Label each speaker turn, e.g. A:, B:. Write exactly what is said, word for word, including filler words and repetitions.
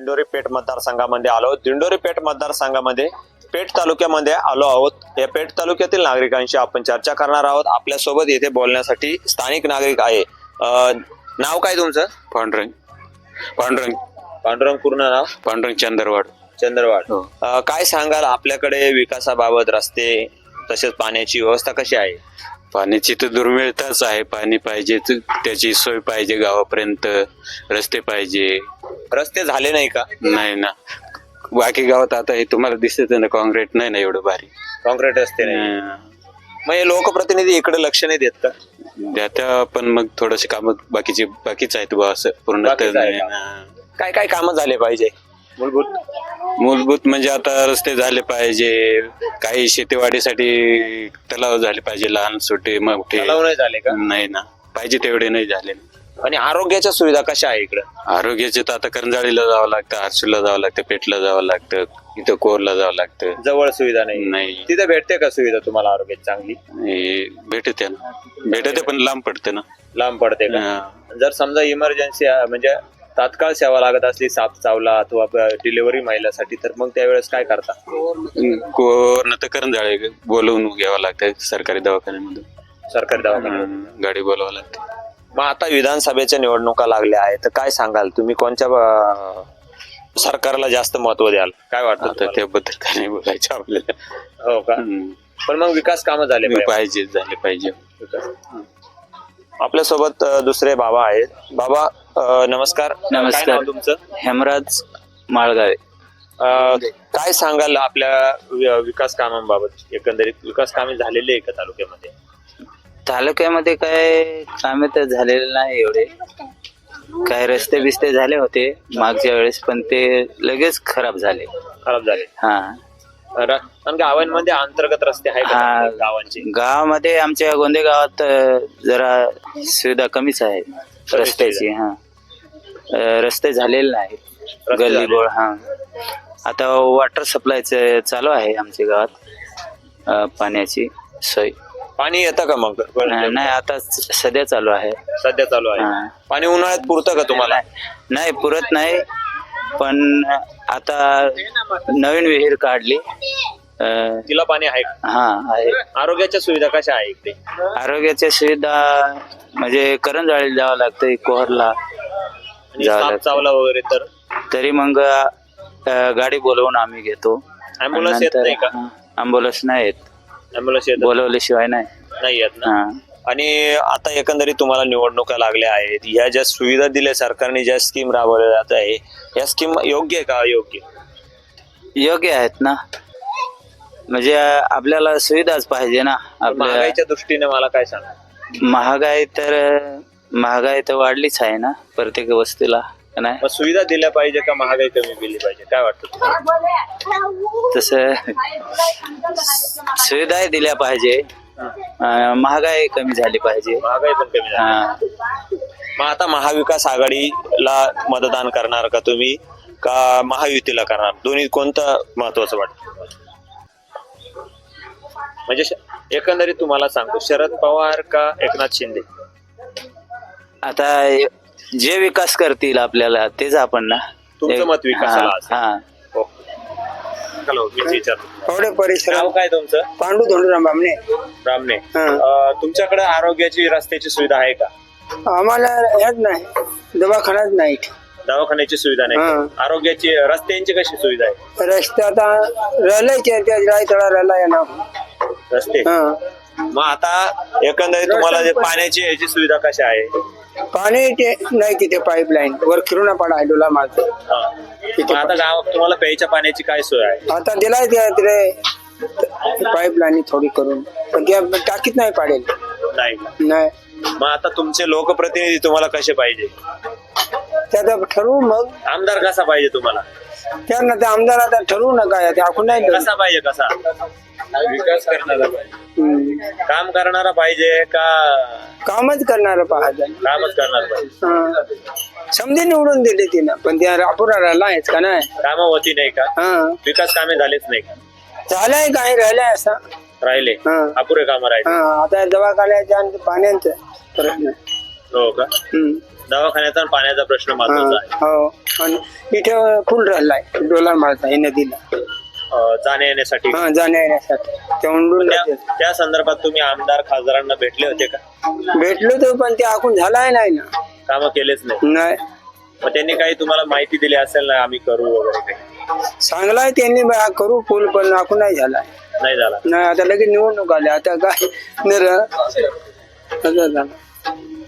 A: दिंडोरी पेठ मतदारसंघामध्ये आलो. दिंडोरी पेठ मतदारसंघामध्ये पेठ तालुक्यामध्ये आलो आहोत. या पेठ तालुक्यातील नागरिकांशी आपण चर्चा करणार आहोत. आपल्यासोबत येथे बोलण्यासाठी स्थानिक नागरिक आहे. अ, नाव काय तुमचं?
B: पांडुरंग पांडुरंग
A: पांडुरंग. पूर्ण नाव?
B: पांडुरंग चंदरवाड.
A: चंद्रवाड.
B: हो.
A: अ, काय सांगाल, आपल्याकडे विकासाबाबत रस्ते तसेच पाण्याची व्यवस्था कशी आहे?
B: पाण्याची तर दुर्मिळताच आहे. पाणी पाहिजे, त्याची सोय पाहिजे, गावापर्यंत रस्ते पाहिजे.
A: रस्ते झाले नाही का?
B: नाही ना, बाकी गावात आता हे तुम्हाला दिसत ना, काँक्रीट नाही ना एवढं भारी.
A: कॉन्क्रीट रस्ते नाही.
B: हं.
A: मग हे लोकप्रतिनिधी इकडे लक्ष नाही देत का?
B: त्या पण मग थोडेसे काम बाकीचे बाकीच आहेत बा, असं पूर्ण तर
A: बाकीच आहे
B: नाही
A: का?
B: ना.
A: काय काय कामं झाले पाहिजे मूलभूत?
B: मूलभूत म्हणजे आता रस्ते झाले पाहिजे, काही शेतीवाडीसाठी तलाव झाले पाहिजे, लहान छोटे मोठे.
A: तलाव नाही झाले का?
B: नाही ना, पाहिजे तेवढे नाही झाले.
A: आणि आरोग्याच्या सुविधा कशा आहे इकडे?
B: आरोग्याचे तर आता करंजाळीला जावं लागतं, आरसूला जावं लागतं, पेठला जावं लागतं, इथं कोरला जावं लागतं.
A: जवळ सुविधा नाही.
B: नाही
A: तिथे भेटते का सुविधा तुम्हाला आरोग्याची चांगली?
B: हे भेटते ना, भेटते पण लांब पडते ना.
A: लांब पडते का?
B: हा.
A: जर समजा इमर्जन्सी म्हणजे तात्काळ सेवा लागत असली, साप चावला अथवा डिलिव्हरी महिलासाठी, तर मग त्यावेळेस काय करता?
B: कोरनं तर करंजाळे बोलवून घ्यावं लागतं सरकारी दवाखान्यामधून.
A: सरकारी दवाखान्यात.
B: हं, गाडी बोलवावं लागते.
A: मग आता विधानसभेच्या निवडणुका लागल्या आहेत, तर काय सांगाल तुम्ही, कोणत्या अं, सरकारला जास्त महत्व द्याल? काय वाटतं
B: आता
A: तुम्हाला?
B: त्याबद्दल काय नाही बोलायचं आपल्याला.
A: हो का?
B: हं.
A: पण मग विकास कामं झाले पाहिजे.
B: पाहिजे झाले पाहिजे.
A: आपल्यासोबत अं, दुसरे बाबा आहेत. बाबा अं, नमस्कार.
C: नमस्कार.
A: काय नाव तुमचं?
C: हेमराज माळगावे.
A: अं, काय सांगाल आपल्या वि- विकास कामांबाबत? एकंदरीत विकास कामे झालेली आहे का तालुक्यामध्ये?
C: तालुक्यामध्ये काय कामे तर झालेले नाही एवढे. काय रस्ते बिस्ते झाले होते मागच्या वेळेस, पण ते लगेच खराब झाले.
A: खराब झाले.
C: हा
A: र- पण गावांमध्ये अंतर्गत रस्ते आहेत का
C: हा.
A: गावांचे?
C: गावामध्ये आमच्या गोंदे गावात अ, जरा सुविधा कमीच आहे रस्त्याची. हा अ, रस्ते झालेले नाहीत.
A: रस्ते
C: गल्ली
A: झाले.
C: बोळ. हा आता वॉटर सप्लायचं चालू आहे आमच्या गावात. अ, पाण्याची सोय
A: पाणी येतं का मग?
C: नाही, आता स- सध्या चालू आहे.
A: सध्या चालू आहे.
C: हा.
A: पाणी उन्हाळ्यात पुरतं का तुम्हाला?
C: नाही, पुरत नाही. पण आता नवीन विहीर काढली. अं,
A: तिला पाणी आहे का?
C: हा आहे.
A: आरोग्याच्या सुविधा कशा आहे इकडे?
C: आरोग्याच्या सुविधा म्हणजे करंजाळीला जावं लागतं, कोहरला
A: आणि
C: जावं
A: साप
C: लागतं.
A: चावला वगैरे तर
C: तरी मग अं, गाडी बोलवून आम्ही घेतो.
A: ऍम्ब्युलन्स येत
C: नंतर-
A: नाही का?
C: हा, ॲम्ब्युलन्स नाही येत,
A: ऍम्ब्युलन्स येत
C: बोलवल्याशिवाय नाही.
A: नाही येत ना?
C: हा.
A: आणि आता एकंदरीत तुम्हाला निवडणुका लागल्या आहेत, ह्या ज्या सुविधा दिल्या सरकारने, ज्या स्कीम राबवल्या जात आहे, या स्कीम योग्य आहे का अयोग्य?
C: योग्य आहेत ना, म्हणजे आपल्याला सुविधाच पाहिजे ना. आपल्या
A: महागाईच्या दृष्टीने मला काय सांगा?
C: महागाई तर महागाई तर वाढलीच आहे ना प्रत्येक वस्तूला, का नाही?
A: मग सुविधा दिल्या पाहिजे का महागाई कमी केली पाहिजे? काय वाटतं तुम्हाला?
C: तसं सुविधाही दिल्या पाहिजे, अं, महागाई कमी झाली पाहिजे.
A: महागाई पण कमी झाली.
C: हा.
A: मग आता महाविकास आघाडीला मतदान करणार का तुम्ही, का महायुतीला करणार? दोन्ही कोणतं महत्वाचं वाटतं तुम्हाला? म्हणजे श- एकंदरीत तुम्हाला सांगतो, शरद पवार का एकनाथ शिंदे?
C: आता जे विकास करतील आपल्याला तेच आपण ना.
A: तुमचं मत विकासाला
C: हा,
A: असेल.
C: हा.
A: हो. हॅलो, मी विचारतो.
D: एवढे परिसर
A: नाव काय तुमचं?
D: पांडू धोंडूराम बामणे.
A: रामने.
D: हा.
A: अं, तुमच्याकडे आरोग्याची रस्त्याची सुविधा आहे का?
D: आम्हाला ह्याच नाही, दवाखान्यात नाही.
A: दवाखान्याची सुविधा नाही.
D: हा.
A: आरोग्याची रस्त्यांची कशी सुविधा आहे?
D: रस्ते आता रलायचे थोडा रला आहे ना.
A: रस्ते.
D: हा.
A: मग आता एकंदरीत तुम्हाला जे पाण्याची याची सुविधा कशी आहे?
D: पाणी ते नाही तिथे पाईपलाईन वर किरुणा पाडा आहे डोला मारतो.
A: हा. मग आता गावात तुम्हाला प्यायच्या पाण्याची काय सोय आहे?
D: आता दिलाय ते तिथे पाईपलाईन थोडी करून, पण त्या टाकीत नाही पाडेल.
A: नाही.
D: नाही
A: मग आता तुमचे लोकप्रतिनिधी तुम्हाला कसे पाहिजे?
D: त्याचा ठरवू मग.
A: आमदार कसा पाहिजे तुम्हाला?
D: त्यांना ते आमदार आता ठरवू नका, ते आपण नाही ठरवू.
A: कसा पाहिजे? कसा विकास करणारा पाहिजे?
D: हम्म.
A: काम करणारा पाहिजे का
D: कामच करणार पाहत
A: कामच करणार पाहिजे?
D: समजे निवडून दिले तिनं, पण त्या रापुरा राहिला आहेच का नाही.
A: कामं होती नाही का?
D: हा
A: विकास कामे झालेच नाही का?
D: झालंय काही राहिलंय असं.
A: राहिले
D: हा.
A: अपुरे कामं राहिले.
D: हा आता दवाखान्याच्या आणि पाण्याचं प्रश्न.
A: हो का?
D: हम्म.
A: दवाखान्याचा आणि पाण्याचा प्रश्न महत्वाचा आहे.
D: हो आणि इथे फुल राहिलाय डोलार मारता आहे नदीला
A: अं, जाण्या येण्यासाठी
D: हा जाण्या येण्यासाठी तेवढून
A: त्या त्या संदर्भात तुम्ही आमदार खासदारांना भेटले होते का?
D: भेटलो तर पण ते आखून झालाय नाही ना
A: कामं केलेच नाही.
D: नाही
A: मग त्यांनी काही तुम्हाला माहिती दिली असेल ना आम्ही करू वगैरे काही?
D: चांगलाय त्यांनी बा करू फुल पण आखून नाही झालाय
A: नाही झाला.
D: नाही आता लगेच निवडणूक आल्या आता काय नर असं झालं